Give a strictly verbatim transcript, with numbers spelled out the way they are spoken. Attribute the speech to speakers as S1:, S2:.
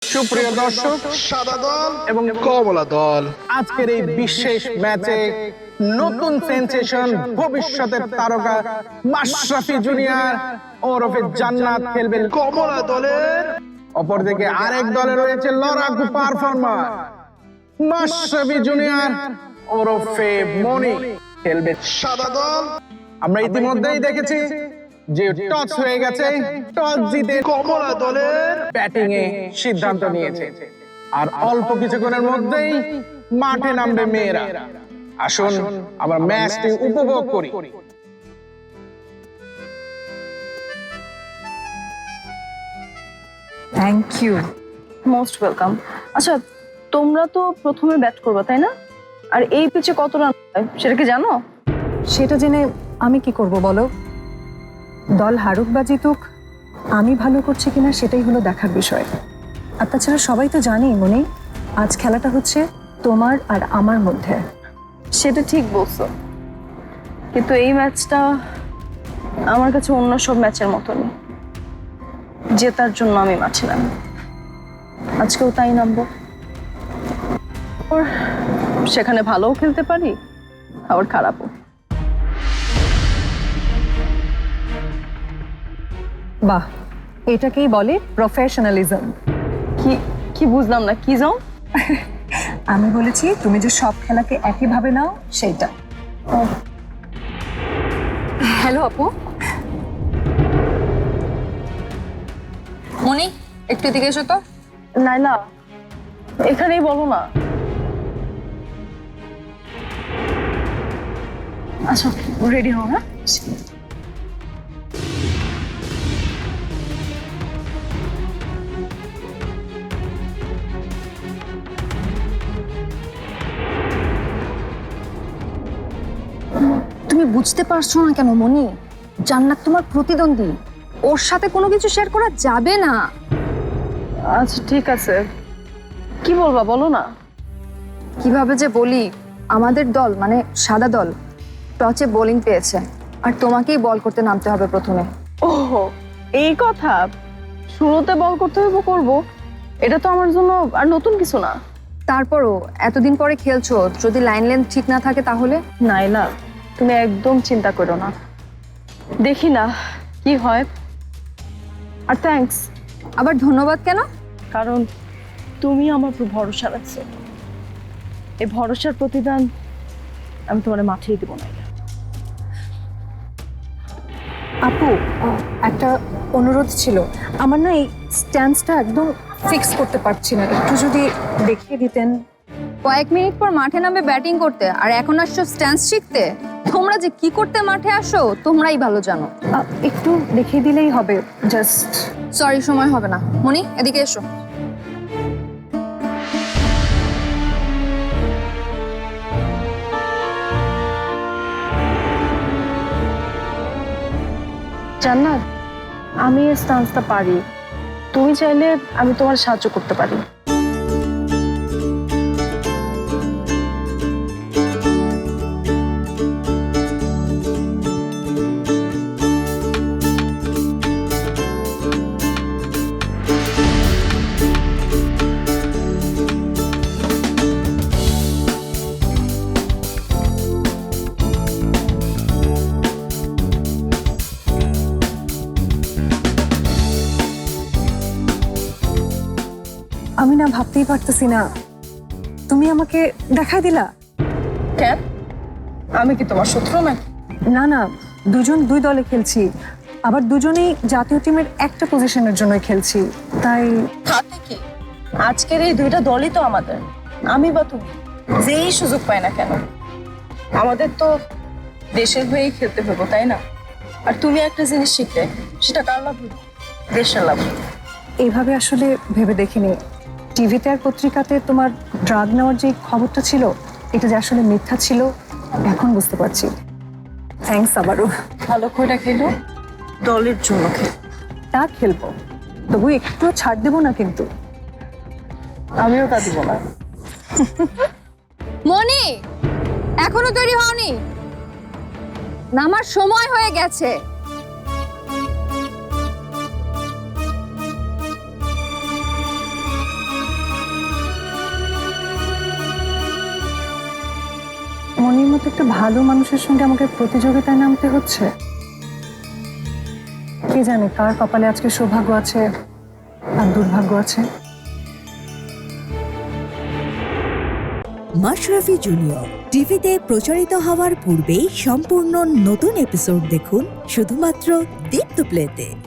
S1: সুপ্রিয় দর্শক,
S2: সাদা দল
S1: এবং
S2: কমলা দল
S1: আজকের এই বিশেষ ম্যাচে নতুন সেনসেশন ভবিষ্যতের তারকা মাশরাফি জুনিয়র ওরফে জান্নাত খেলবেন
S2: কমলা দলের।
S1: অপরদিকে আরেক দলে রয়েছে লড়াকু পারফর্মার মাশরাফি জুনিয়র ওরফে মনি খেলবে
S2: সাদা দল।
S1: আমরা ইতিমধ্যেই দেখেছি যে টস হয়ে গেছে, টস জিতে
S2: কমলা দলের
S1: ব্যাটিং এ সিদ্ধান্ত নিয়েছে আর অল্প কিছুক্ষণের মধ্যেই মাঠে নামবে মেয়েরা। আসুন আমরা ম্যাচটি উপভোগ করি।
S3: Thank you.
S4: Most welcome. আচ্ছা, তোমরা তো প্রথমে ব্যাট করবে তাই না? আর এই পিচে কত রান হয় সেটা কি জানো?
S3: সেটা জেনে আমি কি করব বলো? দল হারুক বা জিতুক, আমি ভালো করছি কিনা সেটাই হলো দেখার বিষয়। আর তাছাড়া সবাই তো জানি মনি, আজ খেলাটা হচ্ছে তোমার আর আমার মধ্যে।
S4: সেটা ঠিক বলছো, কিন্তু এই ম্যাচটা আমার কাছে অন্য সব ম্যাচের মতনই। জেতার জন্য আমি মাঠে নামি, আজকেও তাই নামবো। ওর সেখানে ভালোও খেলতে পারি, আবার খারাপও।
S3: বাহ, এটাকেই বলে প্রফেশনালিজম।
S4: কি কি বুঝলাম না, কি যাও?
S3: আমি বলেছি তুমি যে সব খেলাকে একইভাবে নাও সেইটা। হ্যালো আপু।
S5: মনি, একটু এদিকে এসো তো।
S4: নাইলা, এখানেই বলো না। আচ্ছা, রেডি হও। হ্যাঁ,
S5: তুমি বুঝতে পারছো না কেন মনি? জান্নাত তোমার প্রতিদ্বন্দ্বী, ওর সাথে কোনো কিছু শেয়ার করা যাবে না।
S4: আচ্ছা ঠিক আছে, কি বলবা বলো না।
S5: কিভাবে যে বলি, আমাদের দল মানে সাদা দল টচে বোলিং পেয়েছে, আর তোমাকেই বল করতে নামতে হবে প্রথমে।
S4: ওহ, এই কথা। শুরুতে বল করতে হইব, করবো। এটা তো আমার জন্য আর নতুন কিছু না।
S5: তারপরও এতদিন পরে খেলছো, যদি লাইন লেন্থ ঠিক না থাকে তাহলে?
S4: নাইলা, তুমি একদম চিন্তা করো না, দেখি না কি হয়। আর থ্যাঙ্কস।
S5: আবার ধন্যবাদ কেন?
S4: কারণ তুমি আমার উপর ভরসা রাখছো। এই ভরসার প্রতিদান আমি তোমার মাঠেই দেবো না।
S3: আপু, একটা অনুরোধ ছিল। আমার না এই স্ট্যান্সটা একদম ফিক্স করতে পারছি না, একটু যদি দেখিয়ে দিতেন।
S5: কয়েক মিনিট পর মাঠে নামবে ব্যাটিং করতে, আর এখন আসছো স্ট্যান্স শিখতে? তোমরা যে কি করতে মাঠে আসো তোমরাই ভালো জানো।
S3: আহ, একটু দেখিয়ে দিলেই হবে, জাস্ট।
S5: সরি, সময় হবে না। মনি, এদিকে এসো।
S4: জান্নাত, আমি এই স্টান্সটা পারি, তুমি চাইলে আমি তোমার সাহায্য করতে পারি।
S3: আমি না ভাবতেই পারতেছি না, তুমি আমাকে দেখাই দিলা।
S4: কেন? আমি কি তোমার শত্রু নাকি?
S3: না না, দুজন দুই দলে খেলছি, আবার দুজনেই জাতীয় টিমের একটা পজিশনের জন্য খেলছি, তাই।
S4: তাতে কি, আজকের এই দুইটা দলই তো আমাদের। আমি বা তুমি যেই সুযোগ পাই না কেন, আমাদের তো দেশের হয়েই খেলতে হবে, তাই না? আর তুমি একটা জিনিস শিখলে, সেটা কার লাভ হইল? দেশের লাভ।
S3: এইভাবে আসলে ভেবে দেখিনি। টিভিতে আর পত্রিকাতে তোমার ড্রাগ নেওয়ার যে খবরটা ছিল, এটা যে আসলে মিথ্যা ছিল, এখন বুঝতে পারছি। থ্যাঙ্কস আবারও।
S4: ভালো করে খেলো, দলের জন্য খেলো।
S3: তা খেলবো, তবু একটু ছাড় দেবো না কিন্তু।
S4: আমিও তা দিব না।
S5: মনি, এখনো তৈরি হওনি? নামার সময় হয়ে গেছে।
S3: মতো একটা ভালো মানুষের সঙ্গে আমাকে প্রতিযোগিতায় নামতে হচ্ছে। কে জানে কার কপালে আজকে সৌভাগ্য আছে আর দুর্ভাগ্য আছে।
S6: মাশরাফি জুনিয়র টিভিতে প্রচারিত হওয়ার পূর্বেই সম্পূর্ণ নতুন এপিসোড দেখুন শুধুমাত্র দীপ্ত প্লেতে।